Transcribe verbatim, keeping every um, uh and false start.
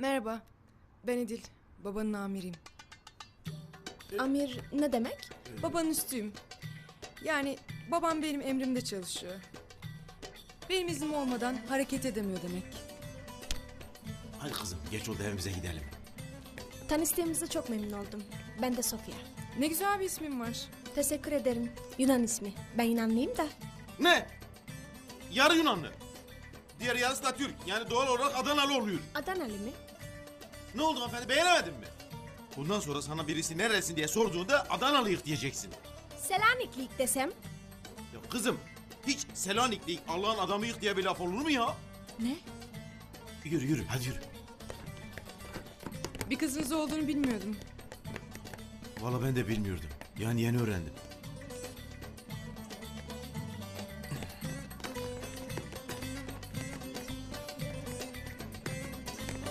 Merhaba, ben Edil. Babanın amiriyim. Amir ne demek? Babanın üstüyüm. Yani babam benim emrimde çalışıyor. Benim iznim olmadan hareket edemiyor demek. Hadi kızım geç oldu evimize gidelim. Tanıştığımıza çok memnun oldum. Ben de Sofia. Ne güzel bir ismin var. Teşekkür ederim. Yunan ismi. Ben Yunanlıyım da. Ne? Yarı Yunanlı. Diğer yarısı da Türk. Yani doğal olarak Adanalı oluyor. Adanalı mı? Ne oldu hanımefendi beğenemedin mi? Bundan sonra sana birisi neresin diye sorduğunda Adanalıyık diyeceksin. Selaniklik desem. Ya kızım hiç Selanikli Allah'ın adamıyık diye bir laf olur mu ya? Ne? Yürü yürü hadi yürü. Bir kızınız olduğunu bilmiyordum. Vallahi ben de bilmiyordum. Yani yeni öğrendim.